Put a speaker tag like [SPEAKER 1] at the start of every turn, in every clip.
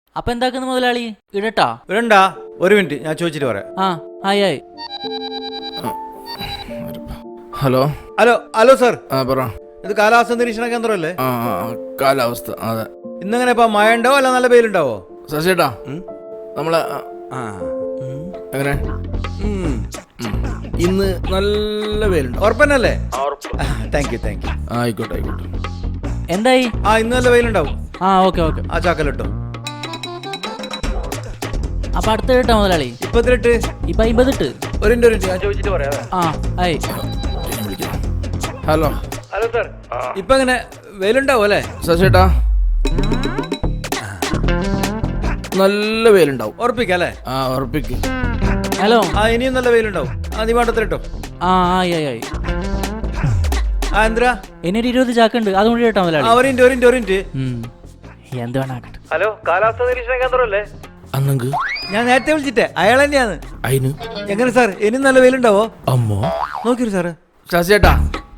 [SPEAKER 1] അപ്പൊ എന്താക്കുന്നു മുതലാളി? ഇടട്ടാ?
[SPEAKER 2] ഇടണ്ടാ, ഒരു മിനിറ്റ് ഞാൻ ചോദിച്ചിട്ട് പറയാം.
[SPEAKER 1] ആയി ആയി.
[SPEAKER 3] ഹലോ
[SPEAKER 2] ഹലോ ഹലോ സാർ,
[SPEAKER 3] പറ.
[SPEAKER 2] ഇത് കാലാവസ്ഥ നിരീക്ഷണ കേന്ദ്രമല്ലേ?
[SPEAKER 3] കാലാവസ്ഥ അതെ.
[SPEAKER 2] ഇന്നെങ്ങനെ ഇപ്പൊ മഴ ഉണ്ടാവോ അല്ല നല്ല വെയിലുണ്ടാവോ?
[SPEAKER 3] ശശിയേട്ടാ നമ്മളെ എങ്ങനെ ഇന്ന് നല്ല വെയിലുണ്ടോ?
[SPEAKER 2] ഉറപ്പന്നല്ലേ? Thank you thank you.
[SPEAKER 3] ആയിക്കോട്ടെ ആയിക്കോട്ടെ.
[SPEAKER 1] എന്തായി?
[SPEAKER 2] ഇന്ന് നല്ല വെയിലുണ്ടാവും.
[SPEAKER 1] Okay okay.
[SPEAKER 2] ആ ചാക്കലിട്ടോ.
[SPEAKER 1] അപ്പൊ അടുത്ത ഇട്ടാ മുതലാളി?
[SPEAKER 2] ഇപ്പൊ
[SPEAKER 1] 50 ഇട്ട്.
[SPEAKER 2] ഒരു മിനിറ്റ് ഞാൻ ചോദിച്ചിട്ട് പറയാം.
[SPEAKER 1] ആയി.
[SPEAKER 3] ഹലോ
[SPEAKER 2] ഹലോ സാർ, ഇപ്പൊ എങ്ങനെ വെയിലുണ്ടാവും അല്ലേ?
[SPEAKER 3] ശശിയേട്ടാ നല്ല വെയിലുണ്ടാവും.
[SPEAKER 2] ഉറപ്പിക്കല്ലേ?
[SPEAKER 3] ഉറപ്പിക്ക്.
[SPEAKER 1] ഹലോ.
[SPEAKER 2] ഇനിയും നല്ല വെയിലുണ്ടാവും. നീ വേണ്ടത്തിട്ടോ.
[SPEAKER 1] ആയി ആയി ആയി.
[SPEAKER 2] എന്തിനാ?
[SPEAKER 1] എന്നൊരു 20 ചാക്കുണ്ട്, അതും കൂടി ഇട്ടാ മുതലാളി?
[SPEAKER 2] ഒരു മിനിറ്റ്.
[SPEAKER 1] എന്ത് വേണാക്കട്ടെ.
[SPEAKER 2] ഹലോ, കാലാവസ്ഥ നിരീക്ഷണ കേന്ദ്രമല്ലേ?
[SPEAKER 3] അന്നെങ്ക്
[SPEAKER 2] ഞാൻ നേരത്തെ വിളിച്ചിട്ടേ അയാൾ തന്നെയാണ്.
[SPEAKER 3] അയിന്
[SPEAKER 2] എങ്ങനെ സാർ, ഇനിയും നല്ല വെയിലുണ്ടാവോ?
[SPEAKER 3] അമ്മോ
[SPEAKER 2] നോക്കിരു സാറ്.
[SPEAKER 3] ശശിയേട്ടാ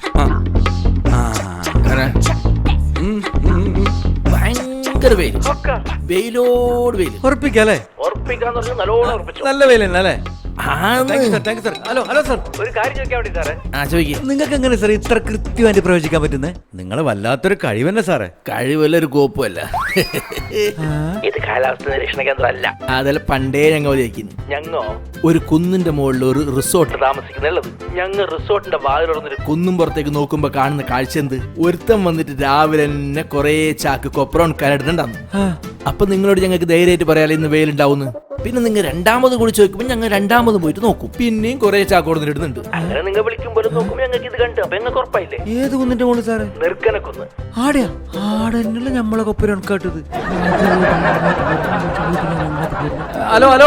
[SPEAKER 3] ഭയങ്കര വെയിൽ, വെയിലോട് വെയിൽ.
[SPEAKER 2] ഉറപ്പിക്കല്ലേ? നല്ല വെയിൽ തന്നെ അല്ലേ? ഹലോ ഹലോ സാർ, ഒരു കാര്യം ചോദിക്കാൻ വേണ്ടി സാറേ. നിങ്ങൾക്ക് എങ്ങനെ സാർ ഇത്ര കൃത്യമായിട്ട് പ്രവചിക്കാൻ പറ്റുന്നത്? നിങ്ങൾ വല്ലാത്തൊരു കഴിവന്നെ സാറേ.
[SPEAKER 3] കഴിവല്ല ഒരു കോപ്പല്ല.
[SPEAKER 4] ഇത് കാലാവസ്ഥ നിരീക്ഷണ കേന്ദ്രമല്ല.
[SPEAKER 3] അതല്ല പണ്ടേ ഞങ്ങൾ വിചാരിക്കുന്നു.
[SPEAKER 4] ഞങ്ങോ
[SPEAKER 3] ഒരു കുന്നിന്റെ മുകളിൽ ഒരു റിസോർട്ട്
[SPEAKER 4] താമസിക്കുന്നുള്ളത്. ഞങ്ങൾ റിസോർട്ടിന്റെ വാതിലുറന്നൊരു
[SPEAKER 3] കുന്നും പുറത്തേക്ക് നോക്കുമ്പോ കാണുന്ന കാഴ്ച എന്ത്? ഒരുത്തം വന്നിട്ട് രാവിലെ തന്നെ കൊറേ ചാക്ക് കൊപ്രോൺ കരടുന്നുണ്ടാന്ന്. അപ്പൊ നിങ്ങളോട് ഞങ്ങൾക്ക് ധൈര്യമായിട്ട് പറയാലോ ഇന്ന് വെയിലുണ്ടാവുന്നു. പിന്നെ നിങ്ങൾ രണ്ടാമത് കൂടി ചോദിക്കുമ്പോൾ ഞങ്ങൾ രണ്ടാമത് പോയിട്ട് നോക്കും, പിന്നെയും കുറെ ചാക്ക് കൊടുത്തിടുന്നുണ്ട്.
[SPEAKER 4] അങ്ങനെ നിങ്ങൾ വിളിക്കുമ്പോൾ നോക്കുമ്പോൾ ഞങ്ങൾക്ക് ഇത് കണ്ടു. അപ്പൊ ഞങ്ങൾക്ക് ഉറപ്പായില്ലേ?
[SPEAKER 2] ഏത് കുന്നിന്റെ മുകളിൽ സാറേ?
[SPEAKER 4] നിർക്കനക്കൊന്ന്.
[SPEAKER 2] ആടെന്നല്ല നമ്മളെ കൊപ്പര കേട്ടത്. Hello hello,